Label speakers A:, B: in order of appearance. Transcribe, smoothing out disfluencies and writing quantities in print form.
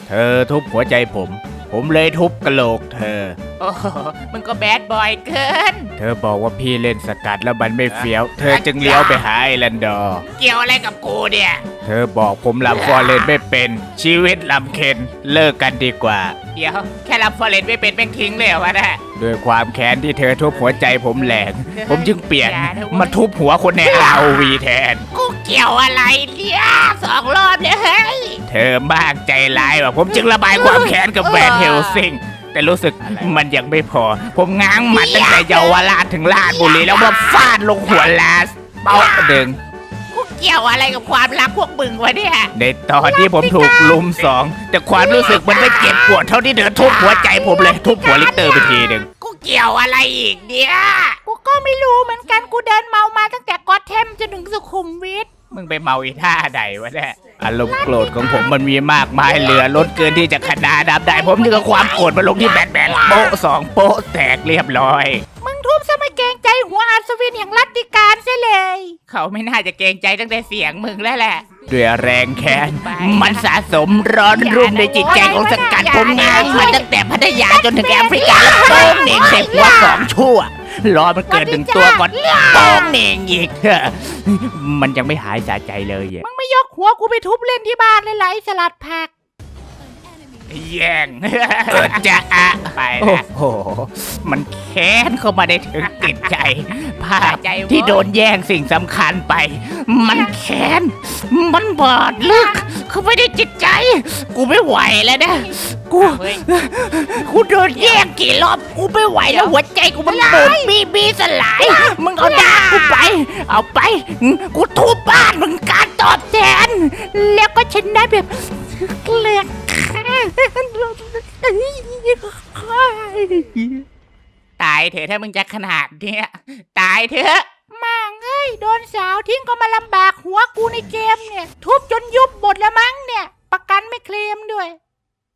A: เธอทุบหัวใจผมเลยทุบกะโหลกเธอ
B: โอ้โหมึงก็แบดบอยเกิน
A: เธอบอกว่าพี่เล่นสกัดแล้วมันไม่เฟี้ยว เธอจึงเลี้ยวไปหาไอแลนดอร์
B: เกี่ยวอะไรกับกูเนี่ย
A: เธอบอกผมลำฟอร์เรนไม่เป็นชีวิตลำเค็นเลิกกันดีกว่า
B: เดี๋ยวแค่รับฟอร์เรนไม่เป็นแม่งทิ้งเลยเหรอวะเนี่ย
A: ด้วยความแค้นที่เธอทุบหัวใจผมแหลกผมจึงเปลี่ยนมาทุบหัวคนใน ROV แทน
B: กูเกี่ยวอะไรเนี่ย2 รอบเลยเฮ้ย
A: เธอมากใจร้ายว่ะผมจึงระบายความแค้นกับแวนเฮลซิงแต่รู้สึกมันยังไม่พอ ผมง้างหมัดตั้งแต่เยาวราชถึงราชบุรีแล้วมาฟาดลงหัวลาสเป้าดึง
B: กูเกี่ยวอะไรกับความรักพวกมึงวะเนี่ย
A: ในตอนที่ผมถูกลุม2แต่ความรู้สึกมันไม่เจ็บปวดเท่าที่เธอทุบหัวใจผมเลยทุบหัวลิกเตอร์ไปทีหนึ่ง
B: กูเกี่ยวอะไรอีกเนี่ยกูก็ไม่รู้เหมือนกันกูเดินเมามาตั้งแต่กอตเทมจนถึงสุขุมวิท
A: มึงไปเมาอีท่าใดวะเนี่ยอารมณ์โกรธของผมมันมีมากมายเหลือล้นเกินที่จะขนาดับได้ผมจึงเอาความโกรธมาลงที่แบนโป๊ะ2โป๊ะแตกเรียบร้อย
B: มึงทุบซะไม่เกรงใจหัวอัศวินแห่งรัตติการเสียเลย เขาไม่น่าจะเกรงใจตั้งแต่เสียงมึงแล้วแหละ
A: ด้วยแรงแค้นมันสะสมร้อนรุ่มในจิตใจของสกัดผมง้างมันตั้งแต่พัทยาจนถึงแอฟริกาแล้วโป้งเหน่งเสร็จหัว2 ชั่วรอมันเกิด1 ตัวก่อนโป้งเหน่งอีกมันยังไม่หายสะใจเลยอ่ะ
B: มึงไม่ยกหัวกูไปทุบเล่นที่บ้านเลยไรสลัดผัก
A: แย่ง จะอะไปนะโอ้โหมันแค้นเข้ามาได้ถึงจิตใจภาพที่โดนแย่งสิ่งสำคัญไป มันแค้นมันบาดลึกเข้าไปในจิตใจ กูไม่ไหวแล้วนะกูโดนแย่งกี่รอบกูไม่ไหวแล้วหัวใจกูมันบูดบีสลายมึงเอาดาบกูไป เอาไปกูทุบบ้านมึงการตอบแทน
B: แล้วก็ชนะแบบเกลียดตายเถอะถ้ามึงจะขนาดเนี้ยตายเถอะมั่งเอ้ยโดนสาวทิ้งก็มาลำบากหัวกูในเกมเนี่ย ทุบจนยุบ